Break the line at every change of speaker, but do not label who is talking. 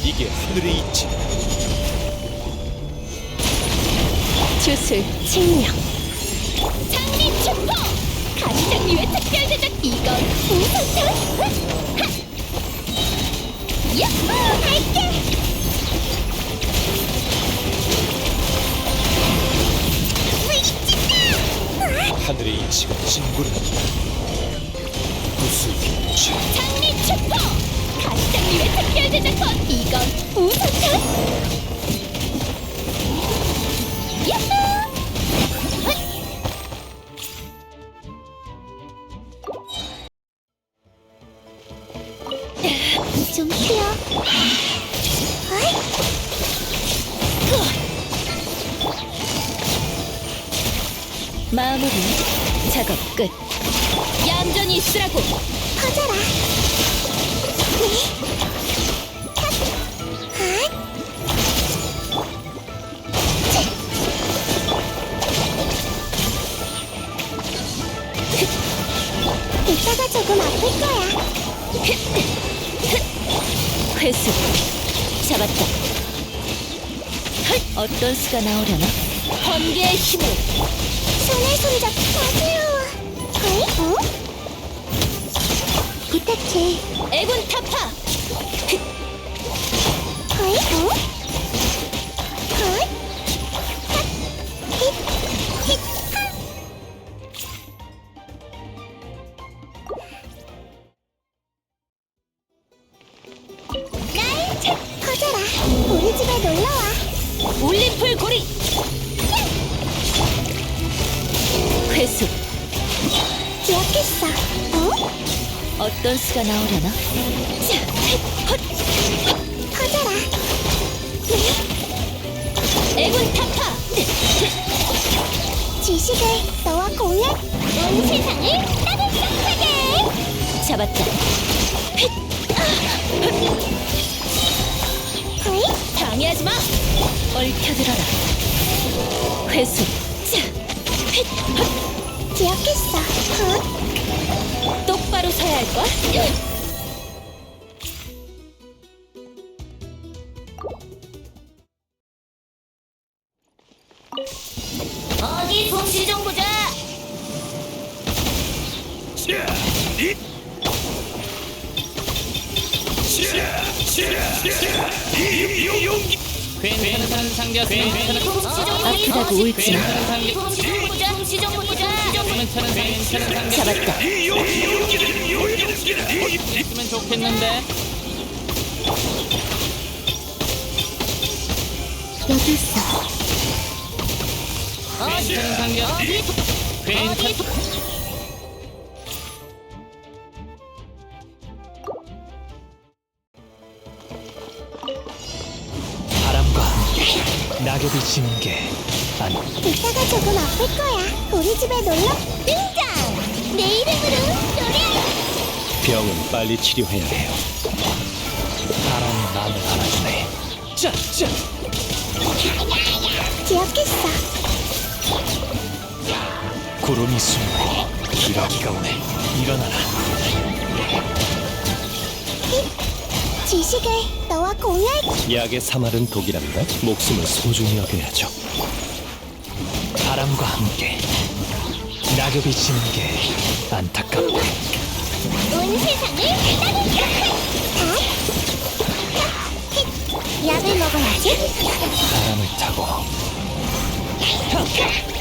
이게 하늘의 이치.
주술 칭령 장미 축포 가시장미의 특별 제작 이건 우선탄 야호 갈게
하늘의 이치가 진군한다. 구슬기치.
장미 축포 가시장미의 특별 제작 이건 우선탄 야호 좀 쉬어. 마무리 작업 끝. 얌전히 있으라고. 커져라. 이따가 조금 아플 거야. 회수 잡았다. 어떤 수가 나오려나? 번개의 힘을 손에 손잡 마주요. 어? 부탁해. 애군 타파. 어? 커져라. 우리 집에 놀러와. 올림플 고리. 회수 기억했어. 어? 어떤 수가 나오려나? 커져라. 애군 타파. 지식을 너와 공유. 온 세상을 따뜻하게. 잡았다. 방해하지 마. 얽혀들어라. 회수. 기억했어. 똑바로 서야 할 걸. 어디 솜씨 좀 보자.
괜찮은 상자
아프다고 울지 마. 잡았다.
있으면 좋겠는데.
여기 있어.
괜찮은 상자 괜찮.
바람과 함께 낙엽이 지는 게 아니.
이따가 조금 아플 거야. 우리 집에 놀러 등장. 내 이름으로 노래.
병은 빨리 치료해야 해요. 바람이 마음을 알아주네. 짠짠.
기억했어.
구름이 숨고 기러기가 오네. 일어나라.
지식을 너와 공유할.
약의 사말은 독이랍니다. 목숨을 소중히 여겨야죠. 바람과 함께 낙엽이 지는 게 안타깝네.
온 세상을 따뜻하게. 약을 먹어야지.
바람을 타고